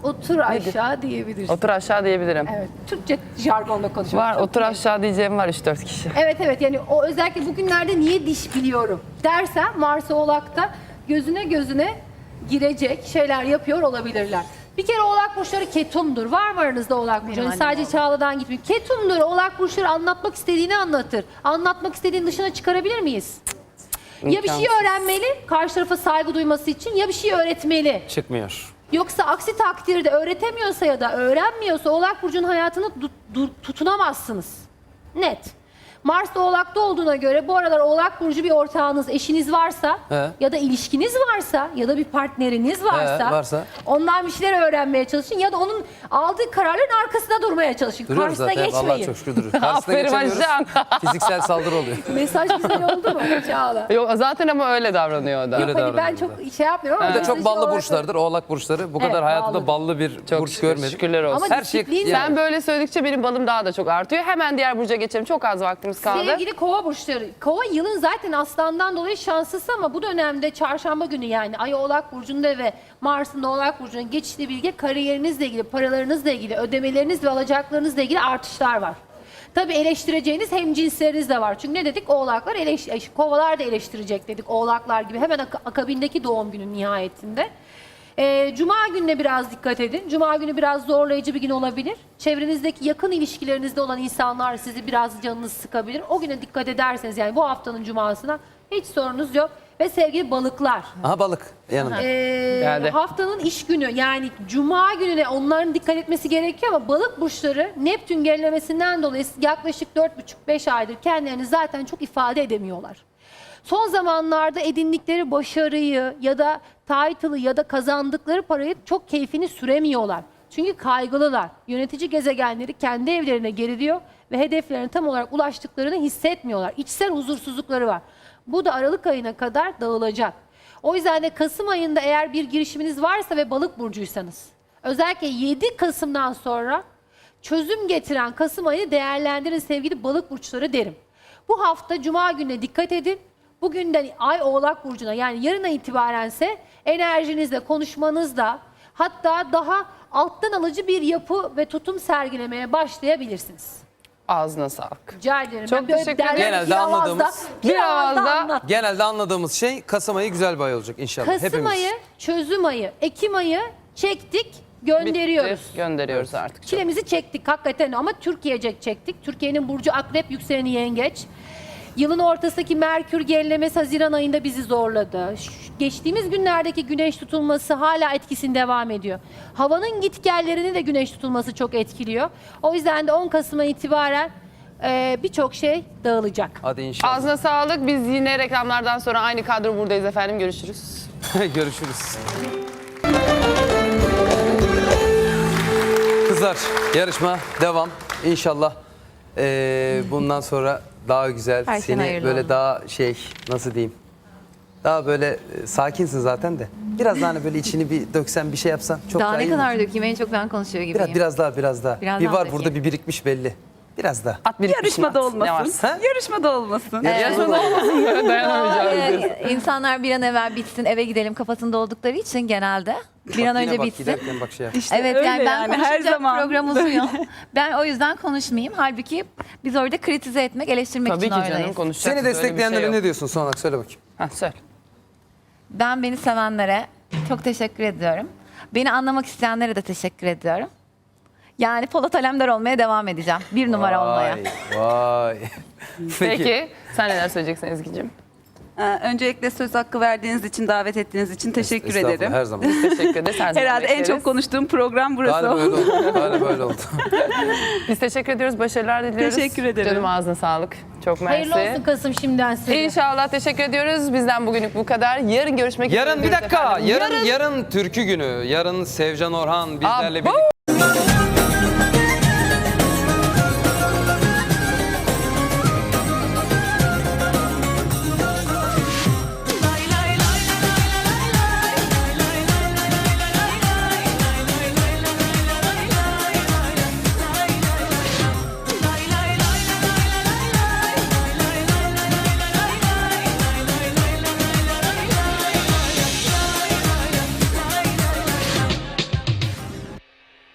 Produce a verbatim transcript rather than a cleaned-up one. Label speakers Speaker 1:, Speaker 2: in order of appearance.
Speaker 1: Otur aşağı diyebilirsin.
Speaker 2: Otur aşağı diyebilirim.
Speaker 1: Evet. Türkçe jargonla konuşuyorum.
Speaker 2: Var,
Speaker 1: Çok
Speaker 2: otur
Speaker 1: iyi.
Speaker 2: aşağı diyeceğim var üç dört kişi.
Speaker 1: Evet evet, yani o özellikle bugünlerde niye diş biliyorum dersen Mars Oğlak'ta gözüne gözüne girecek şeyler yapıyor olabilirler. Bir kere Oğlak burçları ketumdur. Var mı aranızda Oğlak burçları? Yani sadece Çağla'dan gitmiyor. Ketumdur. Oğlak burçları anlatmak istediğini anlatır. Anlatmak istediğin dışına çıkarabilir miyiz? Ya bir şey öğrenmeli, karşı tarafa saygı duyması için, ya bir şey öğretmeli.
Speaker 3: Çıkmıyor.
Speaker 1: Yoksa aksi takdirde öğretemiyorsa ya da öğrenmiyorsa Oğlak burcunun hayatını du- du- tutunamazsınız. Net. Mars da Oğlak'ta olduğuna göre bu aralar Oğlak burcu bir ortağınız, eşiniz varsa
Speaker 3: He.
Speaker 1: ya da ilişkiniz varsa ya da bir partneriniz varsa,
Speaker 3: He, varsa.
Speaker 1: ondan bir şeyler öğrenmeye çalışın ya da onun aldığı kararların arkasında durmaya çalışın.
Speaker 3: Duruyoruz
Speaker 1: Karşısına
Speaker 3: zaten.
Speaker 1: geçmeyin.
Speaker 3: Vallahi çok şükür duruyoruz. Karşısına
Speaker 2: Aferin
Speaker 3: geçemiyoruz.
Speaker 2: Ayşen.
Speaker 3: Fiziksel saldırı oluyor.
Speaker 1: Mesaj güzel oldu mu Çağla?
Speaker 2: Yok zaten ama öyle davranıyor o da.
Speaker 3: Öyle
Speaker 1: Hadi ben
Speaker 3: davranıyor
Speaker 1: çok
Speaker 3: da.
Speaker 1: şey yapmıyorum ama
Speaker 3: Bir de çok
Speaker 1: mesajı
Speaker 3: ballı
Speaker 1: olarak-
Speaker 3: burçlardır. Oğlak burçları. Bu
Speaker 1: Evet,
Speaker 3: kadar hayatımda
Speaker 1: ballı.
Speaker 3: ballı bir
Speaker 2: Çok
Speaker 3: burç
Speaker 2: şükür,
Speaker 3: görmedim.
Speaker 2: şükürler olsun.
Speaker 1: Ama
Speaker 3: Her şey
Speaker 1: disiplin-
Speaker 3: yani.
Speaker 2: Sen böyle söyledikçe benim balım daha da çok artıyor. Hemen diğer burca geçelim. Çok az vaktimiz kaldı.
Speaker 1: Sevgili kova burçları. Kova yılın zaten aslandan dolayı şanslısı ama bu dönemde çarşamba günü yani Ay Oğlak burcunda ve Mars'ın da Oğlak burcuna geçtiği bilgi kariyerinizle ilgili, paralarınızla ilgili, ödemeleriniz ve alacaklarınızla ilgili artışlar var. Tabii eleştireceğiniz hemcinsleriniz de var. Çünkü ne dedik? Oğlaklar eleş kovalar da eleştirecek dedik. Oğlaklar gibi hemen ak- akabindeki doğum günün nihayetinde. Ee, Cuma gününe biraz dikkat edin. Cuma günü biraz zorlayıcı bir gün olabilir. Çevrenizdeki yakın ilişkilerinizde olan insanlar sizi biraz canınız sıkabilir. O güne dikkat ederseniz yani bu haftanın cumasına hiç sorunuz yok. Ve sevgili balıklar,
Speaker 3: Aha balık yanında.
Speaker 1: ee,
Speaker 2: Geldi.
Speaker 1: haftanın iş günü yani Cuma gününe onların dikkat etmesi gerekiyor ama balık burçları Neptün gerilemesinden dolayı yaklaşık dört buçuk beş aydır kendilerini zaten çok ifade edemiyorlar. Son zamanlarda edindikleri başarıyı ya da title'ı ya da kazandıkları parayı çok keyfini süremiyorlar. Çünkü kaygılılar. Yönetici gezegenleri kendi evlerine geriliyor ve hedeflerine tam olarak ulaştıklarını hissetmiyorlar. İçsel huzursuzlukları var. Bu da Aralık ayına kadar dağılacak. O yüzden de Kasım ayında eğer bir girişiminiz varsa ve balık burcuysanız, özellikle yedi Kasım'dan sonra çözüm getiren Kasım ayını değerlendirin sevgili balık burçları derim. Bu hafta Cuma gününe dikkat edin. Bugünden Ay Oğlak burcuna yani yarına itibarense enerjinizle, konuşmanızda hatta daha alttan alıcı bir yapı ve tutum sergilemeye başlayabilirsiniz.
Speaker 2: Ağzına sağlık.
Speaker 1: Rica ederim.
Speaker 2: Çok
Speaker 1: Ben böyle
Speaker 2: teşekkür
Speaker 1: derler
Speaker 2: ederim.
Speaker 1: ki
Speaker 3: Genelde
Speaker 1: bir avazda-
Speaker 3: anladığımız-
Speaker 1: bir
Speaker 2: bir
Speaker 1: avazda
Speaker 2: avazda-
Speaker 1: anlat.
Speaker 3: Genelde anladığımız şey Kasım ayı güzel bir ay olacak inşallah.
Speaker 1: Kasım
Speaker 3: Hepimiz.
Speaker 1: ayı, çözüm ayı, Ekim ayı çektik, gönderiyoruz.
Speaker 2: Bitti, gönderiyoruz artık.
Speaker 1: Çilemizi çektik hakikaten ama Türkiye'cek çektik. Türkiye'nin burcu Akrep, yükseleni Yengeç. Yılın ortasındaki Merkür gerilemesi Haziran ayında bizi zorladı. Ş- Geçtiğimiz günlerdeki güneş tutulması hala etkisini devam ediyor. Havanın gitgellerini de güneş tutulması çok etkiliyor. O yüzden de on Kasım'a itibaren e, birçok şey dağılacak.
Speaker 3: Hadi inşallah.
Speaker 2: Ağzına sağlık. Biz yine reklamlardan sonra aynı kadro buradayız efendim. Görüşürüz.
Speaker 3: Görüşürüz. Kızlar yarışma devam. İnşallah eee, bundan sonra daha güzel,
Speaker 4: Her şey
Speaker 3: seni
Speaker 4: hayırlı
Speaker 3: böyle
Speaker 4: olsun.
Speaker 3: daha şey nasıl diyeyim, daha böyle e, sakinsin zaten de. Biraz daha hani böyle içini bir döksen, bir şey yapsan çok daha,
Speaker 4: Daha ne
Speaker 3: iyi
Speaker 4: kadar
Speaker 3: olur.
Speaker 4: dökeyim? En çok ben konuşuyor gibiyim.
Speaker 3: Biraz, biraz daha, biraz daha.
Speaker 4: Biraz
Speaker 3: bir
Speaker 4: daha
Speaker 3: var
Speaker 4: dökeyim.
Speaker 3: burada bir birikmiş belli. Biraz daha.
Speaker 2: At birikmişini
Speaker 5: Yarışmada
Speaker 2: at. Ne
Speaker 5: olmasın.
Speaker 2: varsa.
Speaker 3: Ha?
Speaker 5: Yarışmada olmasın.
Speaker 2: Yarışmada olmasın. Dayanamayacağız.
Speaker 4: Ee, İnsanlar bir an evvel bitsin eve gidelim kafasında oldukları için genelde bir an
Speaker 3: Bak, yine
Speaker 4: önce
Speaker 3: bak,
Speaker 4: bitsin.
Speaker 3: giderken bak şey yap.
Speaker 5: İşte
Speaker 4: Evet
Speaker 5: öyle
Speaker 4: yani ben
Speaker 5: yani, her
Speaker 4: konuşunca
Speaker 5: zaman.
Speaker 4: program uzuyor. Ben o yüzden konuşmayayım. Halbuki biz orada kritize etmek, eleştirmek
Speaker 2: Tabii
Speaker 4: için
Speaker 2: ki canım
Speaker 4: oradayız.
Speaker 2: konuşacağız.
Speaker 3: Seni
Speaker 2: Öyle bir şey
Speaker 3: destekleyenlere
Speaker 2: yok.
Speaker 3: ne diyorsun son olarak, söyle bakayım.
Speaker 2: Ha, söyle.
Speaker 4: Ben beni sevenlere çok teşekkür ediyorum. Beni anlamak isteyenlere de teşekkür ediyorum. Yani Polat Alemdar olmaya devam edeceğim. Bir numara olmaya.
Speaker 3: Vay, vay.
Speaker 2: Peki. Sen neler söyleyeceksin Ezgi'cim?
Speaker 5: Ee, Öncelikle söz hakkı verdiğiniz için, davet ettiğiniz için teşekkür
Speaker 3: Estağfurullah,
Speaker 5: ederim.
Speaker 3: her zaman.
Speaker 2: Teşekkür ederiz. Her zaman
Speaker 5: Herhalde en
Speaker 2: bekleriz.
Speaker 5: çok konuştuğum program burası
Speaker 3: Galiba öyle
Speaker 5: oldu.
Speaker 3: oldu. Galiba öyle oldu.
Speaker 2: Biz teşekkür ediyoruz. Başarılar diliyoruz.
Speaker 5: Teşekkür ederim.
Speaker 2: Canım ağzına sağlık. Çok mersi.
Speaker 1: Hayırlı olsun Kasım şimdiden size.
Speaker 2: İnşallah teşekkür ediyoruz. Bizden bugünlük bu kadar. Yarın görüşmek üzere.
Speaker 3: Yarın bir
Speaker 2: diyoruz
Speaker 3: dakika.
Speaker 2: efendim.
Speaker 3: Yarın yarın türkü günü. Yarın Sevcan Orhan bizlerle
Speaker 2: Abo!
Speaker 3: birlikte.